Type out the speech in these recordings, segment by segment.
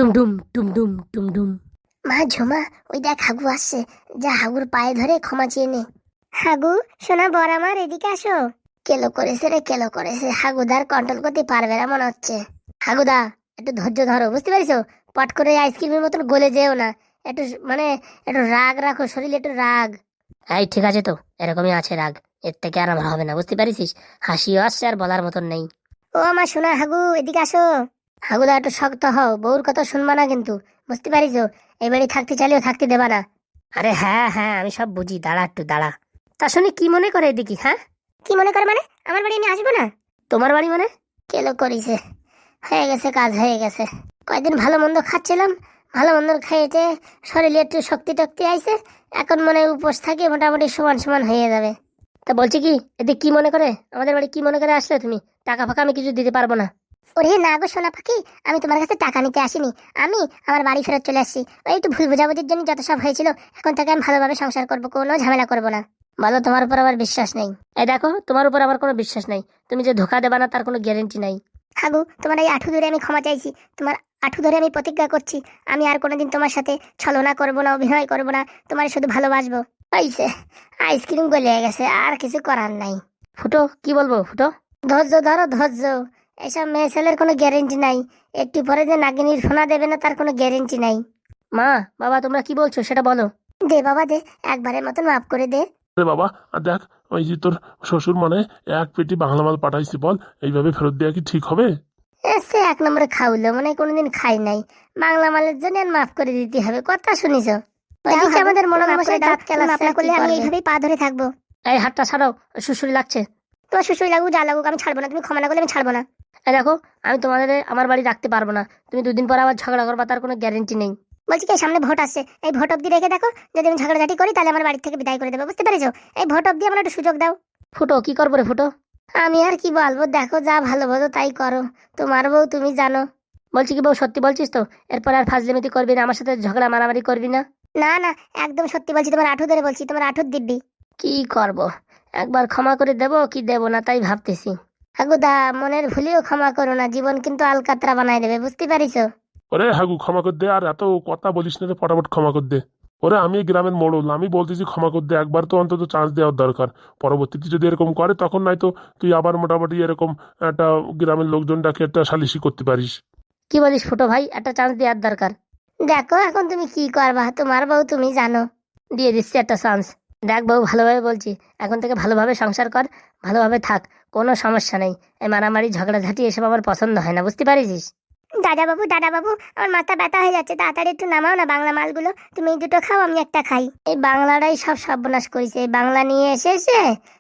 টুমটুম টুমটুম টুমটুম। মা ঝুমা, ওই দেখ হাগু আসছে, যা হাগুর পায়ে ধরে ক্ষমা চেয়ে নে। হাগু সোনা বর আমার, এদিকে আসো। কেলো করেছে রে, কেলো করেছে। হাগুদার কন্ট্রোল করতে পারবে না মনে হচ্ছে। হাগুদা, একটু ধৈর্য ধরো, বুঝতে পারিছো? পট করে আইসক্রিমের মতন গলে যেও না। একটু মানে একটু রাগ রাখো, শরীরে একটু রাগ। এই ঠিক আছে তো, এরকমই আছে রাগ। এর থেকে আর আমার হবে না, বুঝতে পারিস? হাসিও আসছে আর বলার মতন নেই। ও আমার সোনা হাগু, এদিকে আসো। হাগুদা, একটু শক্ত হও, বউর কথা শুনবা না কিন্তু, বুঝতে পারিছো? এই বাড়ি থাকতে চাইলেও থাকতে দেবা না। আরে হ্যাঁ হ্যাঁ, আমি সব বুঝি, দাঁড়া একটু দাঁড়া। তা শুনি কি মনে করে এদিকে? হ্যাঁ, কি মনে করে মানে? আমার বাড়ি আমি আসবো না? তোমার বাড়ি মানে? কেলো করিছে, হয়ে গেছে, কাজ হয়ে গেছে। কয়দিন ভালো মন্দ খাচ্ছিলাম, ভালো মন্দ খেয়েছে, শরীরে একটু শক্তি টক্তি আইছে। এখন মনে হয় উপোস থাকে, মোটামুটি সমান সমান হয়ে যাবে। তা বলছি কি, এদিকে কি মনে করে, আমাদের বাড়ি কি মনে করে আসলে তুমি? টাকা ফাঁকা আমি কিছু দিতে পারবো না। ওরে না গো সোনা পাখি, আমি তোমার কাছে টাকা নিতে আসিনি। আমি আমার বাড়ি ফেরত চলে আসছি। ওই একটু ভুল বোঝাবুঝির জন্য যত সব হয়েছিল, এখন থেকে আমি ভালোভাবে সংসার করবো, কোনো ঝামেলা করবো না। বলো, তোমার উপর আমার বিশ্বাস নেই? এই দেখো, তোমার উপর আমার কোনো বিশ্বাস নেই। তুমি যে ধোকা দেবা না তার কোনো গ্যারেন্টি নাই। হাগু, তোমার এই আঁঠু ধরে আমি ক্ষমা চাইছি। তোমার আঁঠু ধরে আমি প্রতিজ্ঞা করছি, আমি আর কোনোদিন তোমার সাথে ছলনা করবো না, অভিনয় করবো না, তোমার শুধু ভালোবাসবো। পাইছে, আইসক্রিম গলে গেছে, আর কিছু করার নাই। ফুটো, কি বলবো ফুটো? ধৈর্য ধরো, ধৈর্য। এসব মেয়ে ছেলের কোনো গ্যারেন্টি নাই। একটু পরে যে নাগিনীর ফোনা দেবে না, তার কোনো গ্যারেন্টি নাই। মা, বাবা, তোমরা কি বলছো সেটা বলো। দে বাবা দে, একবারের মতন মাফ করে দে। রে বাবা, আর দেখ, ওই যে তোর শ্বশুর মানে এক পেটি বাংলা মাল পাঠাইছি, বল এইভাবে ফেরত দেওয়া কি ঠিক হবে? সে এক নম্বরে খাওয়ালো, মানে কোনোদিন খাই নাই। বাংলা মালের জন্য আর মাফ করে দিতে হবে, কথা শুনিস? ওইদিকে আমাদের মনোমশাই দাঁত কেলাচ্ছে, করলে আমি এইভাবেই পা ধরে থাকবো। এই হাতটা ছাড়াও, সুসুরি লাগছে। তোমার শ্বশুর লাগুক যা লাগুক, আমি ছাড়বো না। তুমি ক্ষমা না করলে আমি ছাড়বো না। এই দেখো, আমি তোমাদের আমার বাড়ি রাখতে পারবো না। তুমি দুদিন পর আবার ঝগড়া করবা, তার কোনো গ্যারেন্টি নেই। বলছি কি, সামনে ভোট আসছে, এই ভোট অব্দি রেখে দেখো। যদি আমি ঝগড়াঝাটি করি, তাহলে আমার বাড়ি থেকে বিদায় করে দেবো, বুঝতে পেরেছো? এই ভোট অব্দি আমার একটু সুযোগ দাও। ফুটো, কি করবো রে ফুটো? আমি আর কি বলবো, দেখো যা ভালো বোঝো তাই করো। তোমার বউ, তুমি জানো। বলছি কি বউ, সত্যি বলছিস তো? এরপর আর ফাজলিমিতি করবি না, আমার সাথে ঝগড়া মারামারি করবি না? না না, একদম সত্যি বলছি, তোমার আঁঠু ধরে বলছি, তোমার আঁঠুর দিব্যি। কি করব, একবার ক্ষমা করে দেবো কি দেবো না তাই ভাবতেছি। হাগুদা, মনের ভুলেও ক্ষমা করো না, জীবন কিন্তু আলকাতরা বানাই দেবে, বুঝতে পারিছো? ওরে হাগু, ক্ষমা কর দে, আর এত কথা বলিস না রে, ফটাফট ক্ষমা কর দে। ওরে আমি এই গ্রামের মোড়ল, আমি বলতেছি ক্ষমা কর দে, একবার তো অন্তত চান্স দেওয়ার দরকার। পরবর্তীতে যদি এরকম করে, তখন নয়তো তুই আবার মোটামুটি এরকম একটা গ্রামের লোকজন ডাকে একটা সালিশি করতে পারিস। কি বলিস ফুটো ভাই, একটা চান্স দেওয়ার দরকার। দেখো এখন তুমি কি করবা, তোমার বউ তুমি জানো। দিয়ে দিচ্ছি একটা চান্স। দেখ বউ, ভালোভাবে বলছি, এখন থেকে ভালোভাবে সংসার কর, ভালোভাবে থাক, কোনো সমস্যা নেই। এই মারামারি ঝগড়াঝাটি এসব আমার পছন্দ হয় না, বুঝতে পারিস? দাদা বাবু, দাদা বাবু, আমার মাথা ব্যথা হয়ে যাচ্ছে, তাড়াতাড়ি একটু নামাও না বাংলা মালগুলো। তুমি এই দুটো খাও, আমি একটা খাই। এই বাংলাটাই সব সর্বনাশ করেছে, এই বাংলা নিয়ে এসে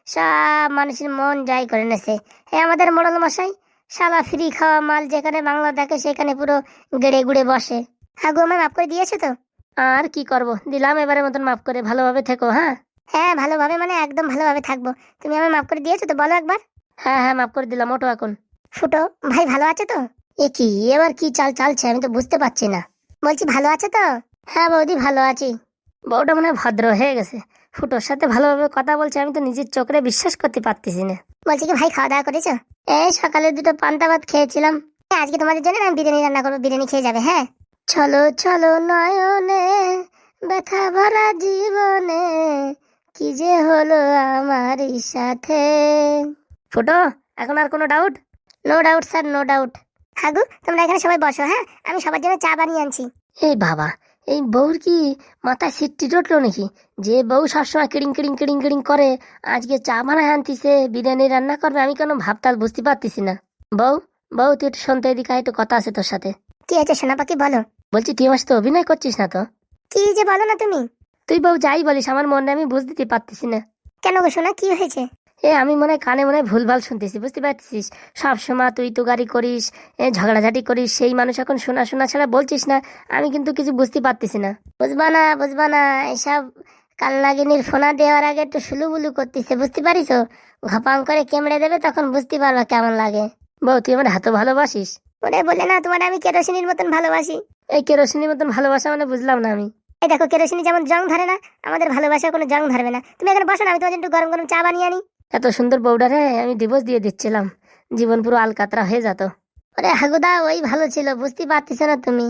সব মানুষের মন জয় করে নেছে। আমাদের মোড়ল মশাই শালা ফ্রি খাওয়া মাল, যেখানে বাংলা দেখে সেখানে পুরো গেড়ে গুড়ে বসে। হাগু, আমায় মাফ করে দিয়েছো তো? আর কি করব, দিলাম এবারের মতন মাফ করে, ভালোভাবে থেকো। হ্যাঁ হ্যাঁ, ভালোভাবে মানে একদম ভালোভাবে থাকবো। তুমি আমায় মাফ করে দিয়েছো তো, বলো একবার। হ্যাঁ হ্যাঁ, মাফ করে দিলাম, ওঠো এখন। ফুটো ভাই, ভালো আছে তো? এ কি, এবার কি চাল চালছে, আমি তো বুঝতে পারছি না। বলছি ভালো আছে তো? হ্যাঁ বৌদি, ভালো আছি। বউটা মনে হয় ভদ্র হয়ে গেছে, ফুটোর সাথে ভালোভাবে কথা বলছে, আমি তো নিজের চোখে বিশ্বাস করতে পারতেছি না। বলছি কি ভাই, খাওয়া দাওয়া করেছো? এই সকালে দুটো পান্তা ভাত খেয়েছিলাম। আজকে তোমাদের জন্য আমি বিরিয়ানি রান্না করবো, বিরিয়ানি খেয়ে যাবে। হ্যাঁ, চলো চলো নয়নে, ব্যথা ভরা জীবনে, কি যে হলো আমারই সাথে। ফুটো, এখন আর কোনো doubt? No doubt sir, no doubt. হাগু, তোমরা এখানে সবাই বসো, হ্যাঁ, আমি সবার জন্য চা বানিয়ে আনছি। এই বাবা, এই বউর কি মাথায় সিটটি জটলো নাকি? যে বউ সবসময় কিড়িং কিড়িং কিড়িং কিড়িং করে, আজকে চা বানায় আনতিছে, বিরিয়ানি রান্না করবে, আমি কেন ভাবতাল বুঝতে পারতেছি না। বউ, বউ, তুই একটু শুনতে এদিকে আয়, একটু কথা আছে তোর সাথে। কি আছে সোনা পাখি, বলো। বলছি, তুই আমার সাথে অভিনয় করছিস না তো? কি যে বলো না তুমি। তুই বউ যাই বলিস, আমার মনে আমি বুঝ দিতে পারতেছি না। কেন গো সোনা, কি হয়েছে? আমি মনে হয় কানে মনে হয় ভুলভাল শুনতেছি, বুঝতে পারছিস? সব সময় তুই তুগারি করিস, ঝগড়াঝাটি করিস, সেই মানুষ এখন শোনা শোনা ছাড়া বলছিস না। আমি কিন্তু কিছু বুঝতে পারতেছি না। বুঝবা না, বুঝবা না, এসব কালনাগিনীর ফোনা দেওয়ার আগে একটু সুলুবুলু করতেছে, বুঝতে পারিস? ঘপাং করে কেমড়ে দেবে, তখন বুঝতে পারবা কেমন লাগে। বউ, তুই আমার হাতও ভালোবাসিস? ওরে বলে না, তোমার আমি কেরোসিনের মতন ভালোবাসি। এই কেরোসিনের মতন ভালোবাসা মানে বুঝলাম না আমি। এই দেখো, কেরোসিনি যেমন জং ধরে না, আমাদের ভালোবাসার কোনো জং ধরবে না। তুমি এখানে বসো না, আমি তোমার জন্য একটু গরম গরম চা বানিয়ে আনি। এত সুন্দর বউডারে আমি ডিভোর্স দিয়ে দিচ্ছিলাম, জীবন পুরো আলকাতরা হয়ে যেত। ওরে হাগুদা, ওই ভালো ছিল, বুঝতে পারতেছ না তুমি।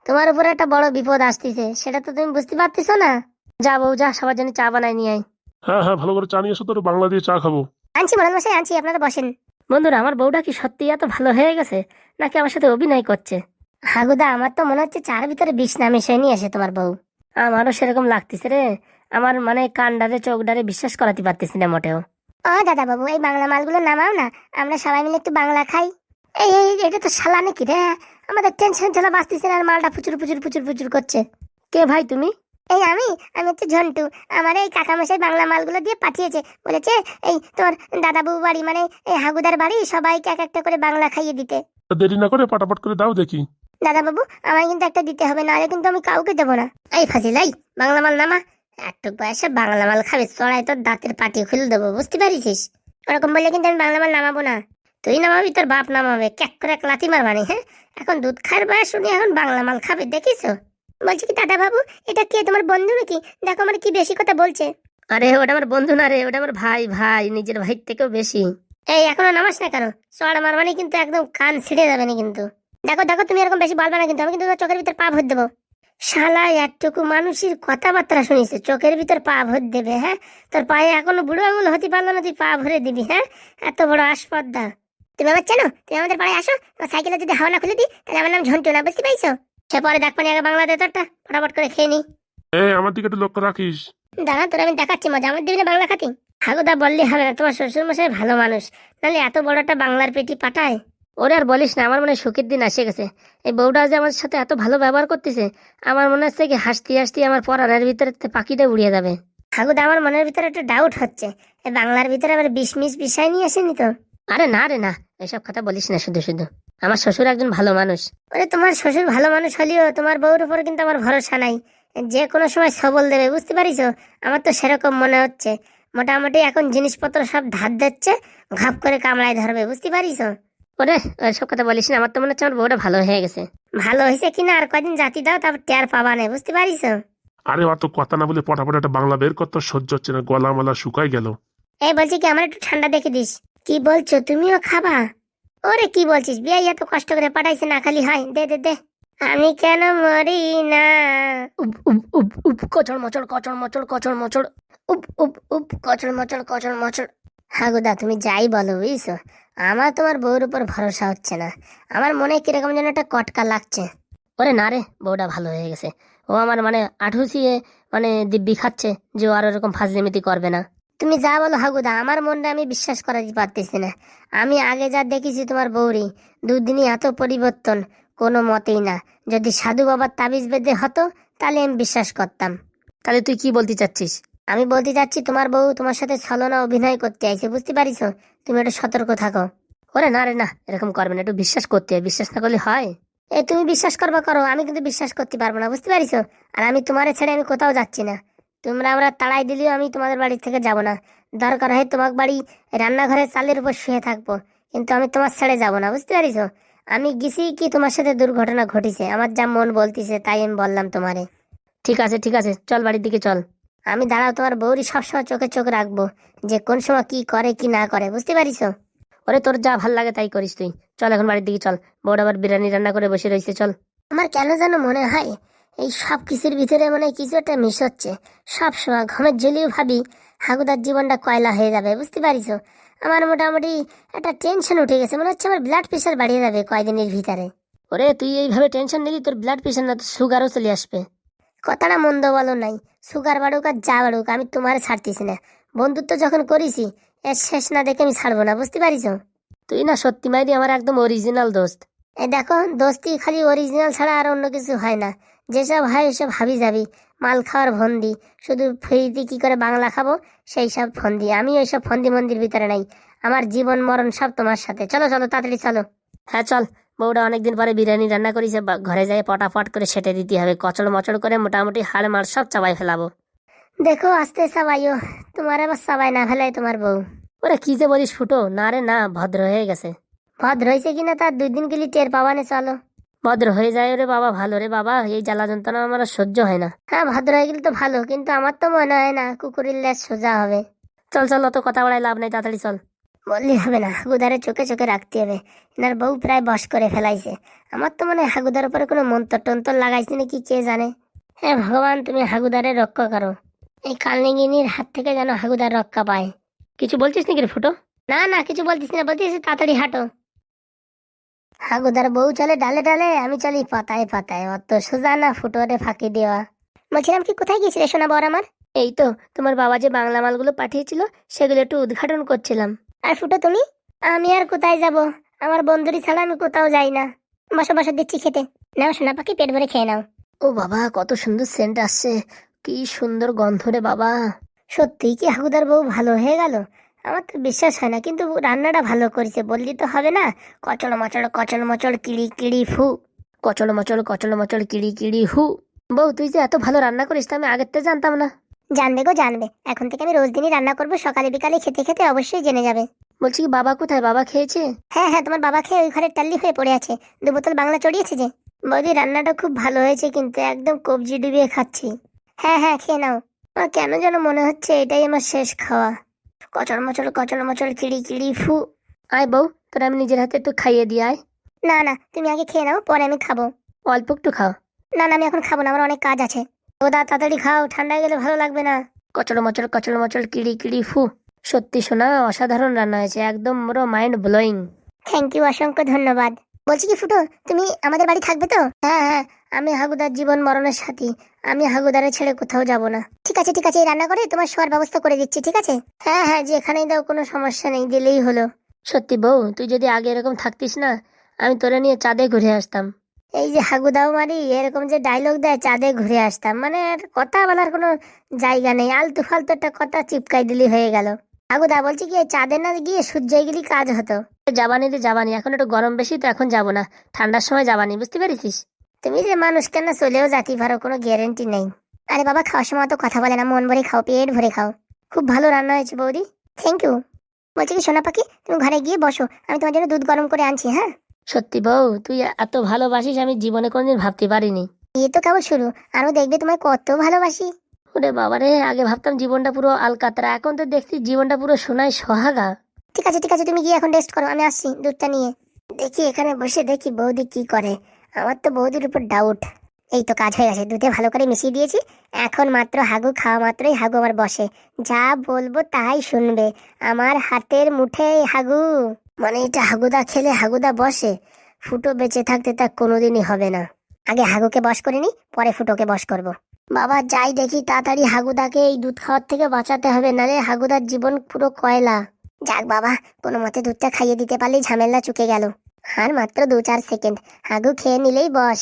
তোমার উপরে একটা বড় বিপদ আসতেছে, সেটা তো তুমি বুঝতে পারতেছো না। যা বউ যা, সবার জন্য চা বানাই নিয়ে আয়। হ্যাঁ হ্যাঁ, ভালো করে চা নিয়ে এসো, তোর বাংলা দিয়ে চা খাবো। আনছি মরান মশাই, আনছি, আপনারা বসেন। বন্ধুরা, আমার বউটা কি সত্যি এত ভালো হয়ে গেছে নাকি আমার সাথে অভিনয় করছে? হাগুদা, আমার তো মনে হচ্ছে চার ভিতরে বিষ না মিশিয়ে নিয়ে এসে তোমার বউ। আমারও সেরকম লাগতেছে রে। আমার মানে কানডারে চোখডারে বিশ্বাস করাতে পারতেছি না মোটেও। ও দাদা বাবু, এই বাংলা মালগুলো নামাও না, আমরা সবাই মিলে একটু বাংলা খাই। এই এই এটা তো শালা নাকি রে? আমাদের টেনশন ঠেলা বাঁচতেছে না, আর মালটা ফুচুর ফুচুর ফুচুর ফুচুর করছে। কে ভাই তুমি? এই আমি আমি হচ্ছে ঝন্টু। আমার এই কাকামশাই বাংলা মালগুলো দিয়ে পাঠিয়েছে, বলেছে এই তোর দাদাবু বাড়ি মানে এই হাগুদার বাড়ি সবাইকে এক একটা করে বাংলা খাইয়ে দিতে। দেরি না করে পাটাপাট করে দাও দেখি। দাদা বাবু, আমায় কিন্তু একটা দিতে হবে, নাহলে কিন্তু আমি কাউকে দেবো না। এই ফাজিল, এই বাংলা মাল নামা। একটু বয়সে বাংলা মাল খাবে, চড়াই তোর দাঁতের পাটি খুলে দেবো, বুঝতে পারিস? ওরকম বললে কিন্তু আমি বাংলা মাল নামাবো না। তুই নামাবি, তোর বাপ নামাবে, ক্যাক করে এক লাথি মারবানি। হ্যাঁ, এখন দুধ খায়ের বয়স, শুনি এখন বাংলা মাল খাবে, দেখিস? বলছি কি দাদা বাবু, এটা কে, তোমার বন্ধু নাকি? দেখো আমার কি বেশি কথা বলছে। আরে ওটা আমার বন্ধু না রে, ওটা আমার ভাই, ভাই নিজের ভাই থেকেও বেশি। এই এখনো নামাস না কেন? চড় মারবানি কিন্তু, একদম কান ছিঁড়ে যাবে না কিন্তু। দেখো দেখো, তুমি এরকম বেশি বলবে না কিন্তু, আমি কিন্তু তোমার চোখের ভিতর পা ভর দেবো। শালা একটুকু মানুষের কথাবার্তা শুনিছে, চোখের ভিতর পা ভর দেবে? হ্যাঁ, তোর পায়ে এখনো বুড়ো আঙুল হতে পারলো না, তুই পা ভরে দিবি? হ্যাঁ, এত বড় আসপদ্দা। তুমি আমার চেনো? তুমি আমাদের পাড়ায় আসো, তোমার সাইকেলে যদি হাওয়া না খুলে দিই, তাহলে আমার নাম ঝন্টু না, বুঝতে পাইছো? সে পরে দেখ পানি, আগে বাংলা দে তোরটা, ফটাফট করে খেয়ে নি। এই আমার দিকে একটু লক্ষ্য রাখিস। দাঁড়া, তোর আমি দেখাচ্ছি মজা, আমার দিবি না বাংলা খাতি? হাগুদা বললে হবে না, তোমার শ্বশুর মশাই ভালো মানুষ, নাহলে এত বড় একটা বাংলার পেটি পাঠায়। ওরে আর বলিস না, আমার মনে হয় সুখের দিন এসে গেছে। এই বউটা যে আমার সাথে এত ভালো ব্যবহার করতেছে, আমার মনে হচ্ছে কি হাসতে হাসতে আমার পরানের ভিতরে পাখিটা উড়িয়ে যাবে। হাগুদা, আমার মনের ভিতরে একটা ডাউট হচ্ছে, এই বাংলার ভিতরে আবার বিষ মিস বিষয় নিয়ে আসেনি তো? আরে না রে না, এসব কথা বলিস না শুধু শুধু। আমার শ্বশুর একজন ভালো মানুষ। ওরে, তোমার শ্বশুর ভালো মানুষ হলেও তোমার বউর উপর কিন্তু আমার ভরসা নাই, যে কোনো সময় সবল দেবে, বুঝতে পারিস? আমার তো সেরকম মনে হচ্ছে। মোটামুটি এখন জিনিসপত্র সব ধার দিচ্ছে, ঘাপ করে কামড়ায় ধরবে, বুঝতে পারিস? ওরে এসব কথা বলিস না, আমার তো মনে হচ্ছে আমার বউটা ভালো হয়ে গেছে। ভালো হয়েছে কিনা আর কদিন জাতি দাও, তারপর টের পাবা না, বুঝতে পারিস? আরে অত কথা না বলে পটাপট একটা বাংলা বের কর, তোর সহ্য হচ্ছে না, গলা মালা শুকাই গেল। এই বলছি কি, আমার একটু ঠান্ডা দেখে দিস। কি বলছো, তুমিও খাবা? ওরে কি বলছিস, বিয়ে এত কষ্ট করে পাঠাইছে, না খালি হয়, দে দে দে। আমি কেন মরি না? উপ উপ উপ উপ কচড় মচড় কচড় মচড় কচড় মচড়। উপ উপ উপ কচড় মচড় কচড় মচড়। হাগুদা, তুমি যাই বলো, বুঝছো, আমার তোমার বউর উপর ভরসা হচ্ছে না। আমার মনে কিরকম যেন একটা কটকা লাগছে। ওরে না রে, বউটা ভালো হয়ে গেছে। ও আমার মানে আঠুসিয়ে মানে দিব্যি খাচ্ছে যে ও আর এরকম ফাজলিমিতি করবে না। তুমি যা বলো হাগুদা, আমার মনটা আমি বিশ্বাস করাতে পারতেছি না। আমি আগে যা দেখেছি তোমার বউরি, দুদিনই এত পরিবর্তন কোনো মতেই না। যদি সাধু বাবার তাবিজ বেঁধে হতো, তাহলে আমি বিশ্বাস করতাম। তাহলে তুই কি বলতে চাচ্ছিস? আমি বলতে চাচ্ছি, তোমার বউ তোমার সাথে ছলনা অভিনয় করতে আইছে, বুঝতে পারিস? তুমি একটু সতর্ক থাকো। ওরে না রে না, এরকম করবে না, একটু বিশ্বাস করতে হয়, বিশ্বাস না করলে হয়? এই তুমি বিশ্বাস করবা করো, আমি কিন্তু বিশ্বাস করতে পারবো না, বুঝতে পারিস? আর আমি তোমারে ছেড়ে আমি কোথাও যাচ্ছি না। তোমরা আমরা তাড়াই দিলেও আমি তোমাদের বাড়ি থেকে যাব না। দরকার হয় তোমার বাড়ি রান্নাঘরের চালের উপর শুয়ে থাকবো, কিন্তু আমি তোমার ছেড়ে যাব না, বুঝতে পারিস? আমি গেছি কি তোমার সাথে দুর্ঘটনা ঘটিছে, আমার যা মন বলতিছে তাই আমি বললাম তোমারে। ঠিক আছে ঠিক আছে, চল বাড়ির দিকে চল। আমি দাঁড়াও, তোমার বউরি সবসময় চোখে চোখ রাখবো, যে কোন সময় কি করে কি না করে, বুঝতে পারিস? ওরে তোর যা ভাল লাগে তাই করিস তুই। চল এখন বাড়ির দিকে চল, বউটা আবার বিরিয়ানি রান্না করে বসে রয়েছে, চল। আমার কেন যেন মনে হয় এই সব কিছুর ভিতরে মনে হয় কিছু একটা মিস হচ্ছে। সব সময় ঘুমের জ্বলিও ভাবি হাগুদার জীবনটা কয়লা হয়ে যাবে, বুঝতে পারিস? আমার মোটামুটি একটা টেনশন উঠে গেছে, মনে হচ্ছে আমার ব্লাড প্রেশার বাড়িয়ে যাবে কয়দিনের ভিতরে। ওরে তুই এইভাবে টেনশন নিলি তোর ব্লাড প্রেশার না, তোর সুগারও চলে আসবে। কথাটা মন্দ বলো নাই, সুগার বাড়ুক আর যা বাড়ুক, আমি তোমার ছাড়তেছি না। বন্ধুত্ব যখন করেছি, এর শেষ না দেখে আমি ছাড়বো না, বুঝতে পারিস? তুই না সত্যি মাইরি আমার একদম অরিজিনাল দোস্ত। এই দেখো, দোস্তি খালি অরিজিনাল ছাড়া আর অন্য কিছু হয় না। যেসব হয় এসব হাবি যাবি, মাল খাওয়ার ফন্দি, শুধু ফ্রিতে কি করে বাংলা খাবো সেই সব ফন্দি। আমি ওইসব ফন্দি মন্দির ভিতরে নাই, আমার জীবন মরণ সব তোমার সাথে। চলো চলো, তাড়াতাড়ি চলো। হ্যাঁ চল, বউটা অনেকদিন পরে বিরিয়ানি রান্না করেছে, ঘরে যাই পটাপট করে সেটে দিতে হবে, কচড় মচড় করে মোটামুটি হাড় মার সব চাবাই ফেলাবো। দেখো আস্তে সাবাইও, তোমার আবার সাবাই না ফেলাই তোমার বউ। ওরে কি যে বলিস ফুটো, না রে না, ভদ্র হয়ে গেছে। ভদ্র হয়েছে কিনা তার 2 দিন গেলি টের পাবানে, চলো। ভদ্র হয়ে যায় রে বাবা, ভালো রে বাবা, এই জ্বালা যন্ত্রণা আমার আর সহ্য হয় না। হ্যাঁ, ভদ্র হয়ে গেলে তো ভালো, কিন্তু আমার তো মনে হয় না কুকুরের লেজ সোজা হবে। চল চল, অত কথা বাড়াই লাভ নাই, তাড়াতাড়ি চল। বললি হবে না, হাগুদারে চোখে চোখে রাখতে হবে। এনার বউ প্রায় বশ করে ফেলাইছে। আমার তো মনে হয় হাগুদার উপরে কোনো মন্তর টন্তর লাগাইছে নাকি কে জানে। হ্যাঁ ভগবান, তুমি হাগুদারে রক্ষা করো। এই কালনিগিনীর হাত থেকে যেন হাগুদার রক্ষা পায়। কিছু বলছিস নাকি রে ফুটো? না না, কিছু বলতিস না, বলতিস তাড়াতাড়ি হাঁটো। হাগুদার বউ চলে ডালে ডালে, আমি চলি পাতায় পাতায়, অত সোজা না ফুটোরে ফাঁকি দেওয়া। বলছিলাম কি, কোথায় গিয়েছিলে সোনা বর আমার? এই তো তোমার বাবা যে বাংলা মালগুলো পাঠিয়েছিল সেগুলো একটু উদ্ঘাটন করছিলাম। আর ফুটো তুমি? আমি আর কোথায় যাব, আমার বন্ধুরি ছাড়া আমি কোথাও যাই না। বসো বসো, দিচ্ছি খেতে। নাও সোনা পাখি, পেট ভরে খেয়ে নাও। ও বাবা, কত সুন্দর সেন্ট আসছে, কি সুন্দর গন্ধ রে বাবা। সত্যি কি হাগুদার বউ ভালো হয়ে গেল? আমার তো বিশ্বাস হয় না, কিন্তু রান্নাটা ভালো করেছে বললি তো হবে না। কচল মচড় কিড়ি কিড়ি ফু। কচল মচল কিড়ি কিড়ি হু। বউ, তুই যে এত ভালো রান্না করিস তা আমি আগের থেকে জানতাম না। জানবে গো জানবে, এখন থেকে আমি রোজ দিনই রান্না করবো, সকালে বিকালে খেতে খেতে অবশ্যই জেনে যাবে। বলছি কি, বাবা কোথায়? বাবা খেয়েছে? হ্যাঁ হ্যাঁ, তোমার বাবা খেয়ে ওই ঘরে টাল্লি হয়ে পড়ে আছে, 2 বোতল বাংলা চড়িয়েছে যে। বৌদি রান্নাটা খুব ভালো হয়েছে, কিন্তু একদম কবজি ডুবিয়ে খাচ্ছি। হ্যাঁ হ্যাঁ, খেয়ে নাও। আমার কেন যেন মনে হচ্ছে এটাই আমার শেষ খাওয়া। কচল মচল কিড়ি কিড়ি ফু। আয় বউ, তোর আমি নিজের হাতে একটু খাইয়ে দিয়ে আয়। না না, তুমি আগে খেয়ে নাও, পরে আমি খাবো। অল্প একটু খাও। না না, আমি এখন খাবো না, আমার অনেক কাজ আছে। ও দা, তাড়াতাড়ি খাও, ঠান্ডা হয়ে গেলে ভালো লাগবে না। কচল মচল কিড়ি কিড়ি ফু। সত্যি শোনা, অসাধারণ রান্না হয়েছে, একদম পুরো মাইন্ড ব্লোয়িং। থ্যাংক ইউ, অসংখ্য ধন্যবাদ। বলছি কি ফুটো, তুমি আমাদের বাড়ি থাকবে তো? হ্যাঁ হ্যাঁ, আমি হাগুদার জীবন মরণের সাথী, আমি হাগুদারে ছেড়ে কোথাও যাব না। ঠিক আছে ঠিক আছে, এই রান্না করে তোমার শোয়ার ব্যবস্থা করে দিচ্ছি, ঠিক আছে? হ্যাঁ হ্যাঁ, যেখানেই দাও, কোনো সমস্যা নেই, দিলেই হলো। সত্যি বউ, তুই যদি আগে এরকম থাকতিস না, আমি তোরে নিয়ে চাঁদে ঘুরে আসতাম। এই যে হাগুদাও মারি এরকম যে ডায়লগ দেয়, চাঁদে ঘুরে আসতাম, মানে আর কথা বলার কোনো জায়গা নেই, আলতু ফালতু একটা কথা চিপকাই দিলি হয়ে গেল। হাগুদা বলছি কি, এই চাঁদে না গিয়ে সূর্যে গেলি কাজ হতো। যাবানি রে যাবানি, এখন একটু গরম বেশি তো, এখন যাব না, ঠান্ডার সময় যাবানি, বুঝতে পেরেছিস? তুমি যে মানুষ, কেন চলেও যেতে পারো, কোনো গ্যারেন্টি নেই। আরে বাবা, খাওয়ার সময় তো কথা বলে না, মন ভরে খাও, পেট ভরে খাও। খুব ভালো রান্না হয়েছে বৌদি, থ্যাংক ইউ। বলছি কি সোনা পাখি, তুমি ঘরে গিয়ে বসো, আমি তোমার জন্য দুধ গরম করে আনছি। হ্যাঁ, সত্যি বউ, তুই এত ভালোবাসিস আমি জীবনে কোনদিন ভাবতে পারিনি। এই তো কেবল শুরু, আরো দেখবে তোমায় কত ভালোবাসি। ওরে বাবারে, আগে ভাবতাম জীবনটা পুরো আলকাতরা, এখন তো দেখছি জীবনটা পুরো সোনায় সোহাগা। ঠিক আছে ঠিক আছে, তুমি গিয়ে এখন রেস্ট করো, আমি আসছি দুধটা নিয়ে। দেখি এখানে বসে দেখি বৌদি কি করে, আমার তো বৌদির উপর ডাউট। এই তো কাজ হয়ে গেছে, দুধে ভালো করে মিশিয়ে দিয়েছি। এখন মাত্র হাগু খাওয়া মাত্রই হাগু আমার বসে, যা বলবো তাই শুনবে, আমার হাতের মুঠে হাগু। মানে এটা হাগুদা খেলে হাগুদা বসে, ফুটো বেঁচে থাকতে তা কোনোদিনই হবে না। আগে হাগুকে বশ করে নি, পরে ফুটোকে বশ করব। বাবা যাই দেখি, তাড়াতাড়ি হাগুদাকে এই দুধ খাওয়ার থেকে বাঁচাতে হবে, নালে হাগুদার জীবন পুরো কয়লা। যাক বাবা, কোনো মতে দুধটা খাইয়ে দিতে পারলেই ঝামেলা চুকে গেল। আর মাত্র 2-4 সেকেন্ড, হাগু খেয়ে নিলেই বস।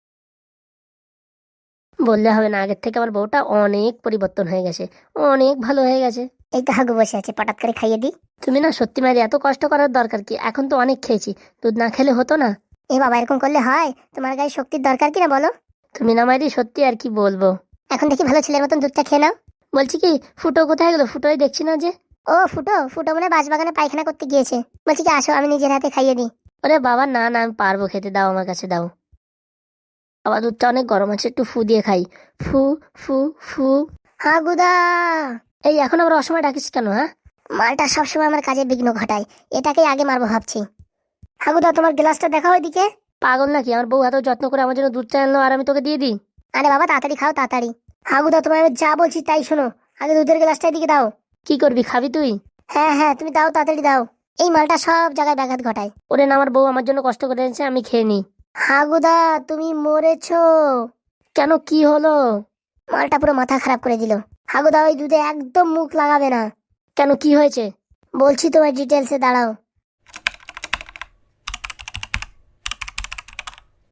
বললে হবে না, আগের থেকে আমার বউটা অনেক পরিবর্তন হয়ে গেছে, অনেক ভালো হয়ে গেছে। এই তো হাগু বসে আছে, পটাত করে খাইয়ে দিই। তুমি না সত্যি মারি, এত কষ্ট করার দরকার কি? এখন তো অনেক খেয়েছি, দুধ না খেলে হতো না। এ বাবা, এরকম করলে হয়? তোমার গায়ে শক্তির দরকার কিনা বলো। তুমি না মারি, সত্যি আর কি বলবো। এখন দেখি ভালো ছেলের মতন দুধটা খেয়ে নাও। বলছি কি, ফুটো কোথায় গেলো? ফুটোই দেখছি না যে। ও ফুটো, ফুটো মনে হয় বাঁশবাগানে পায়খানা করতে গিয়েছে। বলছি কি, আসো আমি নিজের হাতে খাইয়ে দিই। ওরে বাবা, না না, আমি পারবো খেতে, দাও আমার কাছে দাও। বাবা, দুধটা অনেক গরম আছে, একটু ফু দিয়ে খাই। ফু ফু ফু। হাগুদা, এই এখন আবার অসময় ডাকিস কেন? হ্যাঁ, মালটা সবসময় আমার কাজে বিঘ্ন ঘটায়, এটাকেই আগে মারবো ভাবছি। হাগুদা, তোমার গ্লাসটা দেখাও ওইদিকে। পাগল নাকি? আমার বউ এত যত্ন করে আমার জন্য দুধ চা আনলো, আর আমি তোকে দিয়ে দিই? আরে বাবা তাড়াতাড়ি খাও, তাড়াতাড়ি। হাগুদা, তোমায় আমি যা বলছি তাই শোনো, আগে দুধের গ্লাসটা এদিকে দাও। কি করবি, খাবি তুই? হ্যাঁ হ্যাঁ, তুমি দাও, তাড়াতাড়ি দাও। এই মালটা সব জায়গায় ব্যাঘাত ঘটায়। ওরে না, আমার বউ আমার জন্য কষ্ট করে এনেছে, আমি খেয়ে নি। হাগুদা, তুমি মরেছো। কেন, কি হলো? মালটা পুরো মাথা খারাপ করে দিল। হাগুদা, ওই দুধে একদম মুখ লাগাবে না। কেন, কি হয়েছে? বলছি তোমার ডিটেলসে, দাঁড়াও।